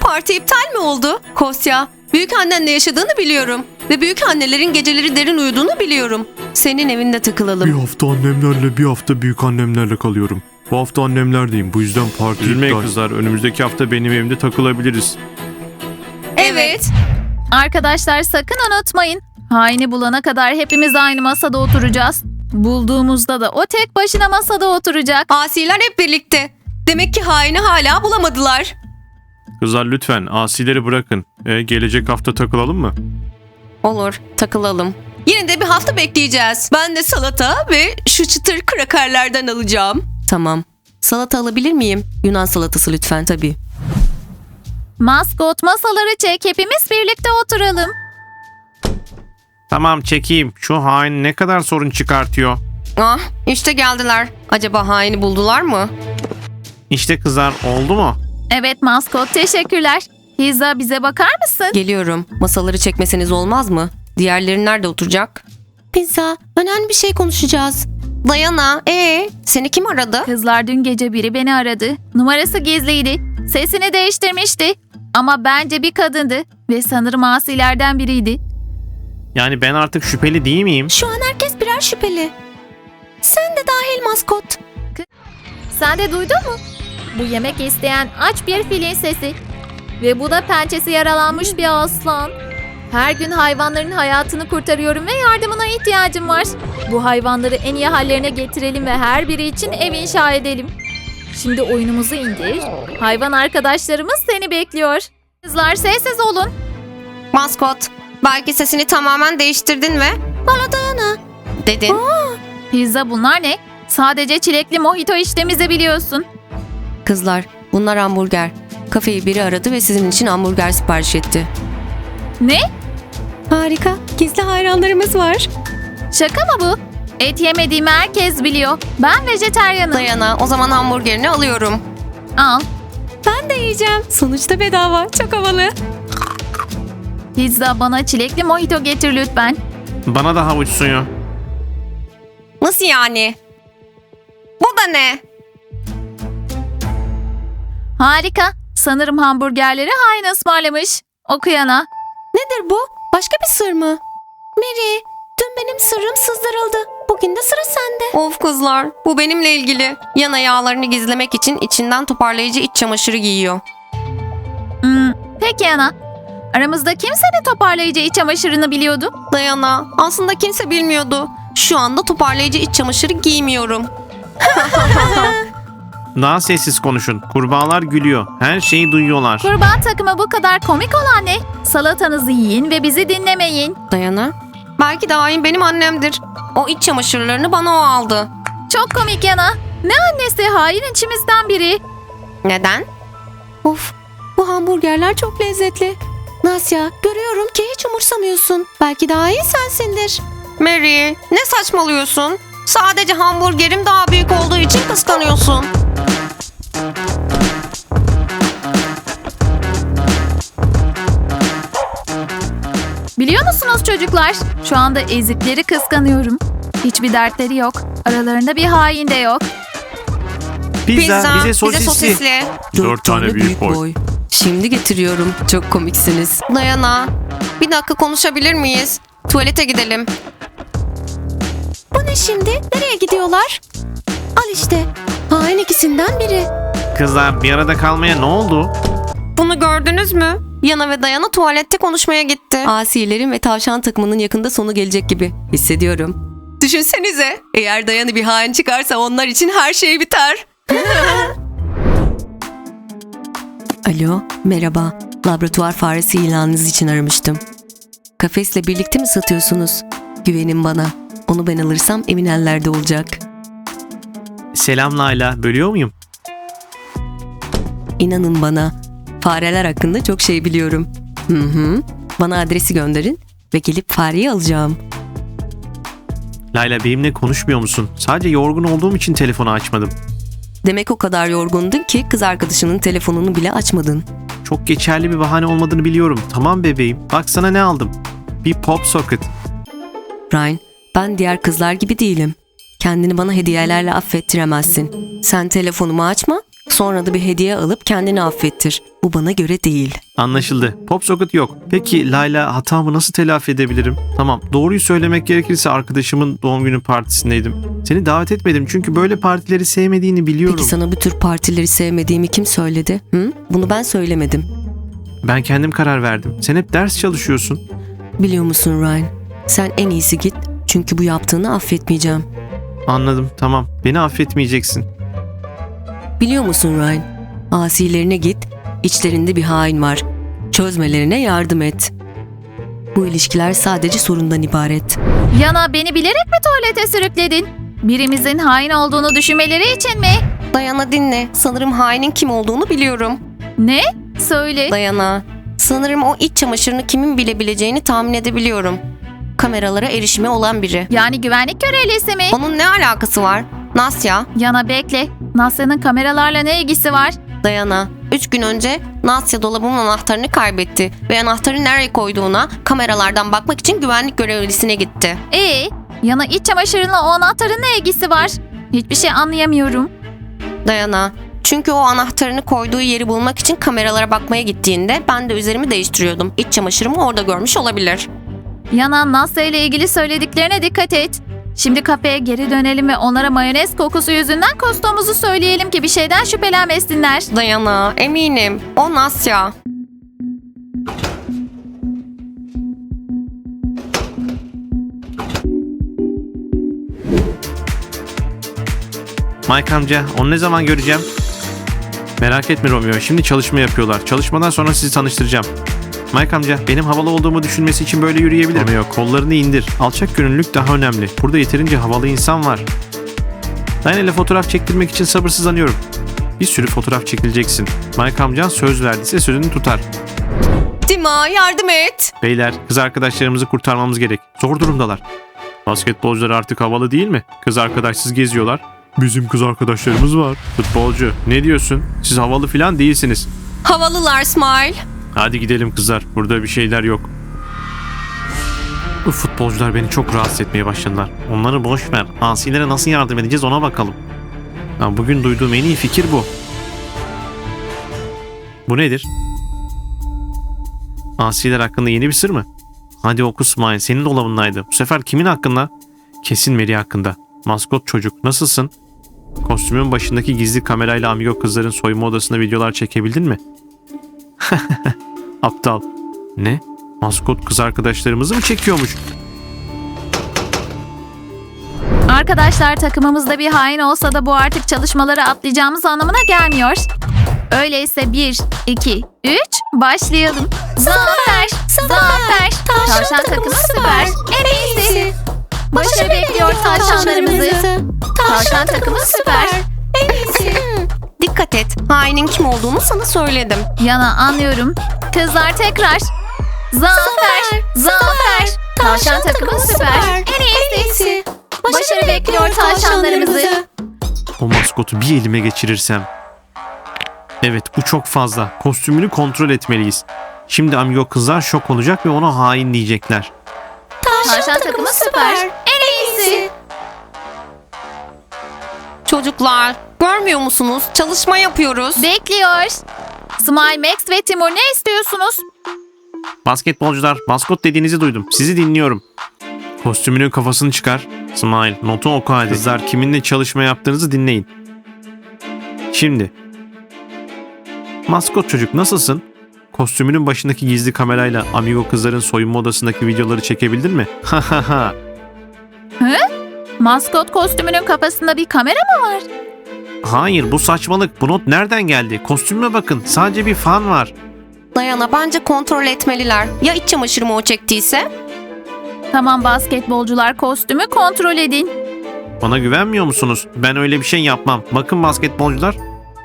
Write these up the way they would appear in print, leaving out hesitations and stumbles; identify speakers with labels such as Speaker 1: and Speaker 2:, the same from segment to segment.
Speaker 1: Parti iptal mi oldu? Kostya, büyükannenle yaşadığını biliyorum. Ve büyükannelerin geceleri derin uyuduğunu biliyorum. Senin evinde
Speaker 2: Bir
Speaker 1: takılalım.
Speaker 2: hafta annemlerle, bir hafta büyük annemlerle kalıyorum. Bu hafta annemlerdeyim. Bu yüzden parti
Speaker 3: Üzülmeyin
Speaker 2: iptal.
Speaker 3: kızlar. Önümüzdeki hafta benim evimde takılabiliriz.
Speaker 1: Evet.
Speaker 4: Arkadaşlar sakın unutmayın. Haini bulana kadar hepimiz aynı masada oturacağız. Bulduğumuzda da o tek başına masada oturacak.
Speaker 1: Asiler hep birlikte. Demek ki haini hala bulamadılar.
Speaker 3: Kızlar lütfen asileri bırakın. Gelecek hafta takılalım mı?
Speaker 1: Olur, takılalım. Yine de bir hafta bekleyeceğiz. Ben de salata ve şu çıtır krakerlerden alacağım. Tamam. Salata alabilir miyim? Yunan salatası lütfen tabii.
Speaker 4: Maskot masaları çek, hepimiz birlikte oturalım.
Speaker 3: Tamam çekeyim. Şu hain ne kadar sorun çıkartıyor.
Speaker 1: Ah, işte geldiler. Acaba haini buldular mı?
Speaker 3: İşte kızlar oldu mu?
Speaker 4: Evet maskot, teşekkürler. Pizza, bize bakar mısın?
Speaker 1: Geliyorum. Masaları çekmeseniz olmaz mı? Diğerleri nerede oturacak? Pizza, önemli bir şey konuşacağız. Dayana, seni kim aradı?
Speaker 4: Kızlar, dün gece biri beni aradı. Numarası gizliydi. Sesini değiştirmişti. Ama bence bir kadındı. Ve sanırım asilerden biriydi.
Speaker 3: Yani ben artık şüpheli değil miyim?
Speaker 1: Şu an herkes birer şüpheli. Sen de dahil maskot.
Speaker 4: Sen de duydun mu? Bu yemek isteyen aç bir filin sesi. Ve bu da pençesi yaralanmış bir aslan. Her gün hayvanların hayatını kurtarıyorum ve yardımına ihtiyacım var. Bu hayvanları en iyi hallerine getirelim ve her biri için ev inşa edelim. Şimdi oyunumuzu indir. Hayvan arkadaşlarımız seni bekliyor. Kızlar sessiz olun.
Speaker 1: Maskot, belki sesini tamamen değiştirdin ve bana Dayana dedin.
Speaker 4: Pizza, bunlar ne? Sadece çilekli mojito içtiğimizi biliyorsun.
Speaker 1: Kızlar, bunlar hamburger. Kafeyi biri aradı ve sizin için hamburger sipariş etti.
Speaker 4: Ne?
Speaker 1: Harika, gizli hayranlarımız var.
Speaker 4: Şaka mı bu? Et yemediğimi herkes biliyor. Ben vejetaryenim.
Speaker 1: Dayana, o zaman hamburgerini alıyorum.
Speaker 4: Al.
Speaker 1: Ben de yiyeceğim. Sonuçta bedava, çok havalı.
Speaker 4: Pizza, bana çilekli mojito getir lütfen.
Speaker 3: Bana da havuç suyu.
Speaker 1: Nasıl yani? Bu da ne?
Speaker 4: Harika. Sanırım hamburgerleri hain ısmarlamış. Okuyana.
Speaker 1: Nedir bu? Başka bir sır mı? Mary, dün benim sırrım sızdırıldı. Bugün de sıra sende. Of kızlar, bu benimle ilgili. Yana yağlarını gizlemek için içinden toparlayıcı iç çamaşırı giyiyor.
Speaker 4: Peki ana. Aramızda kim senin toparlayıcı iç çamaşırını biliyordu?
Speaker 1: Dayana, aslında kimse bilmiyordu. Şu anda toparlayıcı iç çamaşırı giymiyorum.
Speaker 3: Daha sessiz konuşun. Kurbağalar gülüyor. Her şeyi duyuyorlar.
Speaker 4: Kurbağa takımı bu kadar komik olan ne? Salatanızı yiyin ve bizi dinlemeyin.
Speaker 1: Dayana, belki de hain benim annemdir. O iç çamaşırlarını bana o aldı.
Speaker 4: Çok komik yana. Ne annesi, hain içimizden biri.
Speaker 1: Neden? Of, bu hamburgerler çok lezzetli. Nasya, görüyorum ki hiç umursamıyorsun. Belki daha iyi sensindir. Mary, ne saçmalıyorsun? Sadece hamburgerim daha büyük olduğu için kıskanıyorsun.
Speaker 4: Biliyor musunuz çocuklar? Şu anda ezikleri kıskanıyorum. Hiçbir dertleri yok. Aralarında bir hain de yok.
Speaker 3: Pizza, bize sosisli. 4 tane büyük boy.
Speaker 1: Şimdi getiriyorum. Çok komiksiniz. Dayana, bir dakika konuşabilir miyiz? Tuvalete gidelim. Bu ne şimdi? Nereye gidiyorlar? Al işte. Hain ikisinden biri.
Speaker 3: Kızlar bir arada kalmaya ne oldu?
Speaker 1: Bunu gördünüz mü? Yana ve Dayana tuvalette konuşmaya gitti. Asilerin ve tavşan takımının yakında sonu gelecek gibi hissediyorum. Düşünsenize, eğer Dayana bir hain çıkarsa onlar için her şey biter. Alo, merhaba. Laboratuvar faresi ilanınız için aramıştım. Kafesle birlikte mi satıyorsunuz? Güvenin bana. Onu ben alırsam emin ellerde olacak.
Speaker 3: Selam Layla. Bölüyor muyum?
Speaker 1: İnanın bana, fareler hakkında çok şey biliyorum. Bana adresi gönderin ve gelip fareyi alacağım.
Speaker 3: Layla benimle konuşmuyor musun? Sadece yorgun olduğum için telefonu açmadım.
Speaker 1: Demek o kadar yorgundun ki kız arkadaşının telefonunu bile açmadın.
Speaker 3: Çok geçerli bir bahane olmadığını biliyorum. Tamam bebeğim. Bak sana ne aldım. Bir pop socket.
Speaker 1: Ryan, ben diğer kızlar gibi değilim. Kendini bana hediyelerle affettiremezsin. Sen telefonumu açma, Sonra da bir hediye alıp kendini affettir. Bu bana göre değil.
Speaker 3: Anlaşıldı. PopSocket yok. Peki Layla, hatamı nasıl telafi edebilirim? Tamam, doğruyu söylemek gerekirse arkadaşımın doğum günü partisindeydim. Seni davet etmedim çünkü böyle partileri sevmediğini biliyorum.
Speaker 1: Peki sana bu tür partileri sevmediğimi kim söyledi? Hı? Bunu ben söylemedim.
Speaker 3: Ben kendim karar verdim. Sen hep ders çalışıyorsun.
Speaker 1: Biliyor musun Ryan? Sen en iyisi git. Çünkü bu yaptığını affetmeyeceğim.
Speaker 3: Anladım, tamam. Beni affetmeyeceksin.
Speaker 1: Biliyor musun Ryan? Asilerine git. İçlerinde bir hain var. Çözmelerine yardım et. Bu ilişkiler sadece sorundan ibaret.
Speaker 4: Yana, beni bilerek mi tuvalete sürükledin? Birimizin hain olduğunu düşünmeleri için mi?
Speaker 1: Dayana dinle. Sanırım hainin kim olduğunu biliyorum.
Speaker 4: Ne? Söyle.
Speaker 1: Dayana. Sanırım o iç çamaşırını kimin bilebileceğini tahmin edebiliyorum. Kameralara erişimi olan biri.
Speaker 4: Yani güvenlik görevlisi mi?
Speaker 1: Onun ne alakası var? Nasya,
Speaker 4: Yana bekle. Nasya'nın kameralarla ne ilgisi var?
Speaker 1: Dayana. 3 gün önce Nasya dolabımın anahtarını kaybetti ve anahtarı nereye koyduğuna kameralardan bakmak için güvenlik görevlisine gitti.
Speaker 4: Yana, iç çamaşırınla o anahtarın ne ilgisi var? Hiçbir şey anlayamıyorum.
Speaker 1: Dayana. Çünkü o anahtarını koyduğu yeri bulmak için kameralara bakmaya gittiğinde ben de üzerimi değiştiriyordum. İç çamaşırımı orada görmüş olabilir.
Speaker 4: Yana, Nasya ile ilgili söylediklerine dikkat et. Şimdi kafeye geri dönelim ve onlara mayonez kokusu yüzünden kustuğumuzu söyleyelim ki bir şeyden şüphelenmesinler.
Speaker 1: Dayana, eminim. O Nasya.
Speaker 3: Mike amca, onu ne zaman göreceğim? Merak etme Romeo, şimdi çalışma yapıyorlar. Çalışmadan sonra sizi tanıştıracağım. Mike amca, benim havalı olduğumu düşünmesi için böyle yürüyebilirim. Romeo, kollarını indir. Alçak gönüllülük daha önemli. Burada yeterince havalı insan var. Diana ile fotoğraf çektirmek için sabırsızlanıyorum. Bir sürü fotoğraf çekileceksin. Mike amcan söz verdiyse sözünü tutar.
Speaker 1: Dima, yardım et.
Speaker 3: Beyler, kız arkadaşlarımızı kurtarmamız gerek. Zor durumdalar. Basketbolcular artık havalı değil mi? Kız arkadaşsız geziyorlar.
Speaker 2: Bizim kız arkadaşlarımız var.
Speaker 3: Futbolcu, ne diyorsun? Siz havalı falan değilsiniz.
Speaker 1: Havalılar Smile.
Speaker 3: Hadi gidelim kızlar. Burada bir şeyler yok. Bu futbolcular beni çok rahatsız etmeye başladılar. Onları boş ver. Asilere nasıl yardım edeceğiz ona bakalım. Ya bugün duyduğum en iyi fikir bu. Bu nedir? Asiler hakkında yeni bir sır mı? Hadi oku Smile. Senin dolabındaydı. Bu sefer kimin hakkında? Kesin Mary hakkında. Maskot çocuk. Nasılsın? Kostümün başındaki gizli kamerayla amigo kızların soyunma odasında videolar çekebildin mi? Aptal. Ne? Maskot kız arkadaşlarımızı mı çekiyormuş?
Speaker 4: Arkadaşlar, takımımızda bir hain olsa da bu artık çalışmaları atlayacağımız anlamına gelmiyor. Öyleyse 1, 2, 3 başlayalım. Zafer! Zafer! Tavşan takımı süper. En iyisi. Başarı bekliyor tavşanlarımızı. Tavşan takımı süper.
Speaker 1: En iyisi. Dikkat et. Hainin kim olduğunu sana söyledim.
Speaker 4: Yana, anlıyorum. Kızlar tekrar. Zafer! Zafer! Tavşan takımı süper. En iyisi. Başarı bekliyor tavşanlarımızı.
Speaker 3: O maskotu bir elime geçirirsem. Evet, bu çok fazla. Kostümünü kontrol etmeliyiz. Şimdi amigo kızlar şok olacak ve ona hain diyecekler.
Speaker 4: Tavşan takımı süper. En iyisi.
Speaker 1: Çocuklar, görmüyor musunuz? Çalışma yapıyoruz.
Speaker 4: Bekliyor. Smile, Max ve Timur, ne istiyorsunuz?
Speaker 3: Basketbolcular, maskot dediğinizi duydum. Sizi dinliyorum. Kostümünün kafasını çıkar. Smile, notu oku hadi. Kızlar, kiminle çalışma yaptığınızı dinleyin. Şimdi. Maskot çocuk, nasılsın? Kostümünün başındaki gizli kamerayla amigo kızların soyunma odasındaki videoları çekebildin mi? Ha ha ha.
Speaker 4: Maskot kostümünün kafasında bir kamera mı var?
Speaker 3: Hayır, bu saçmalık. Bu not nereden geldi? Kostümüme bakın. Sadece bir fan var.
Speaker 1: Dayana, bence kontrol etmeliler. Ya iç çamaşırımı o çektiyse?
Speaker 4: Tamam basketbolcular, kostümü kontrol edin.
Speaker 3: Bana güvenmiyor musunuz? Ben öyle bir şey yapmam. Bakın basketbolcular.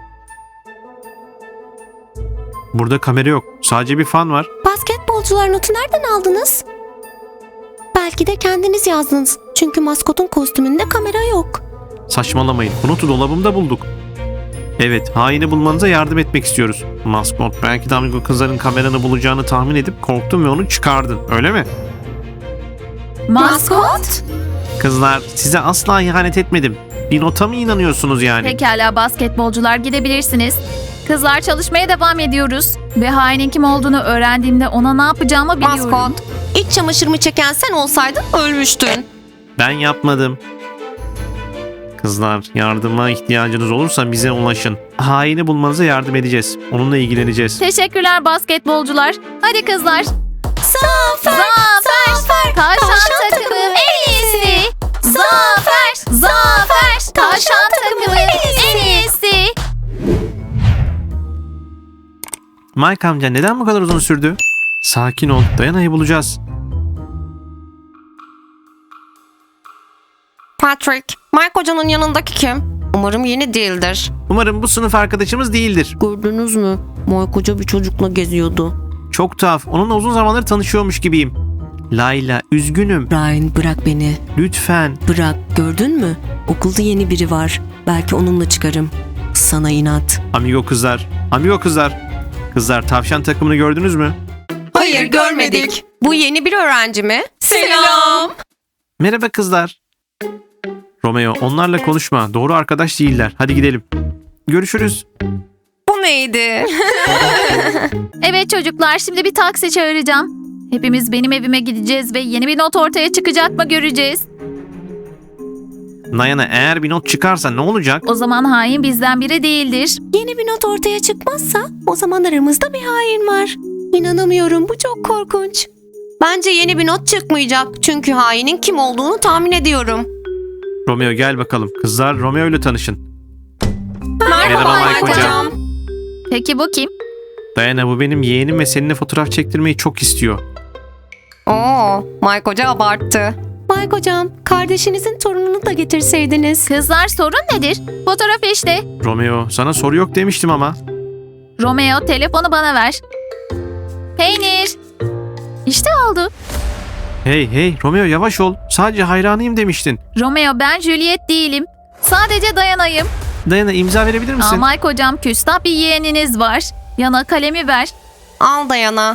Speaker 3: Burada kamera yok. Sadece bir fan var.
Speaker 1: Basketbolcular, notu nereden aldınız? Belki de kendiniz yazdınız. Çünkü maskotun kostümünde kamera yok.
Speaker 3: Saçmalamayın. Bu notu dolabımda bulduk. Evet, haini bulmanıza yardım etmek istiyoruz. Maskot, belki de amigo kızların kameranı bulacağını tahmin edip korktun ve onu çıkardın. Öyle mi?
Speaker 4: Maskot?
Speaker 3: Kızlar, size asla ihanet etmedim. Bir nota mı inanıyorsunuz yani?
Speaker 4: Pekala basketbolcular gidebilirsiniz. Kızlar çalışmaya devam ediyoruz. Ve hainin kim olduğunu öğrendiğimde ona ne yapacağımı biliyorum.
Speaker 1: Maskot, iç çamaşırımı çeken sen olsaydın ölmüştün.
Speaker 3: Ben yapmadım. Kızlar, yardıma ihtiyacınız olursa bize ulaşın. Haini bulmanıza yardım edeceğiz. Onunla ilgileneceğiz.
Speaker 4: Teşekkürler basketbolcular. Hadi kızlar.
Speaker 1: Zafer!
Speaker 4: Zafer! Tavşan takımı en iyisi. Zafer! Zafer! Tavşan takımı en iyisi.
Speaker 3: Mike amca neden bu kadar uzun sürdü? Sakin ol. Dayana'yı bulacağız.
Speaker 1: Patrick, Mike hocanın yanındaki kim? Umarım yeni değildir.
Speaker 3: Umarım bu sınıf arkadaşımız değildir.
Speaker 1: Gördünüz mü? Mike hoca bir çocukla geziyordu.
Speaker 3: Çok tuhaf. Onunla uzun zamandır tanışıyormuş gibiyim. Layla, üzgünüm.
Speaker 5: Ryan bırak beni.
Speaker 3: Lütfen.
Speaker 5: Bırak. Gördün mü? Okulda yeni biri var. Belki onunla çıkarım. Sana inat.
Speaker 3: Amigo kızlar. Amigo kızlar. Kızlar, tavşan takımını gördünüz mü?
Speaker 1: Hayır, görmedik. Bu yeni bir öğrenci mi? Selam.
Speaker 3: Merhaba kızlar. Romeo, onlarla konuşma. Doğru arkadaş değiller. Hadi gidelim. Görüşürüz.
Speaker 1: Bu neydi?
Speaker 4: Evet çocuklar şimdi bir taksi çağıracağım. Hepimiz benim evime gideceğiz ve yeni bir not ortaya çıkacak mı göreceğiz.
Speaker 3: Dayana, eğer bir not çıkarsa ne olacak?
Speaker 4: O zaman hain bizden biri değildir.
Speaker 5: Yeni bir not ortaya çıkmazsa o zaman aramızda bir hain var. İnanamıyorum. Bu çok korkunç.
Speaker 1: Bence yeni bir not çıkmayacak. Çünkü hainin kim olduğunu tahmin ediyorum.
Speaker 3: Romeo gel bakalım. Kızlar, Romeo ile tanışın.
Speaker 1: Merhaba
Speaker 3: Mike
Speaker 1: Mike
Speaker 3: hocam.
Speaker 1: hocam.
Speaker 4: Peki bu kim?
Speaker 3: Dayana, bu benim yeğenim ve seninle fotoğraf çektirmeyi çok istiyor.
Speaker 1: Oo, Mike hoca abarttı.
Speaker 5: Mike hocam, kardeşinizin torununu da getirseydiniz.
Speaker 4: Kızlar sorun nedir? Fotoğraf işte.
Speaker 3: Romeo, sana soru yok demiştim ama.
Speaker 4: Romeo telefonu bana ver. Peynir. İşte oldu.
Speaker 3: Hey, Romeo yavaş ol. Sadece hayranıyım demiştin.
Speaker 4: Romeo ben Juliet değilim. Sadece Dayana'yım.
Speaker 3: Dayana, imza verebilir misin?
Speaker 4: Aa, Mike hocam küstah bir yeğeniniz var. Yana kalemi ver.
Speaker 1: Al Dayana.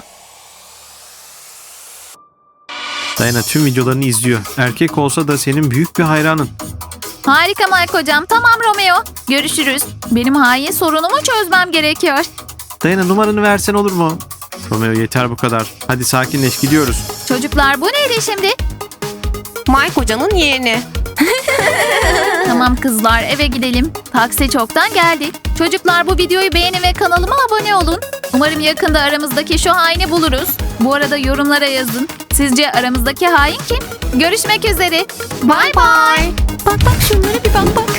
Speaker 3: Dayana tüm videolarını izliyor. Erkek olsa da senin büyük bir hayranın.
Speaker 4: Harika Mike hocam. Tamam Romeo. Görüşürüz. Benim hain sorunumu çözmem gerekiyor.
Speaker 3: Dayana, numaranı versen olur mu? Romeo yeter bu kadar. Hadi sakinleş, gidiyoruz.
Speaker 4: Çocuklar bu neydi şimdi?
Speaker 1: Mike hocanın yeğeni.
Speaker 4: Tamam kızlar eve gidelim. Taksi çoktan geldi. Çocuklar bu videoyu beğenin ve kanalıma abone olun. Umarım yakında aramızdaki şu haini buluruz. Bu arada yorumlara yazın. Sizce aramızdaki hain kim? Görüşmek üzere. Bye bye.
Speaker 5: Bak şunlara bir bak.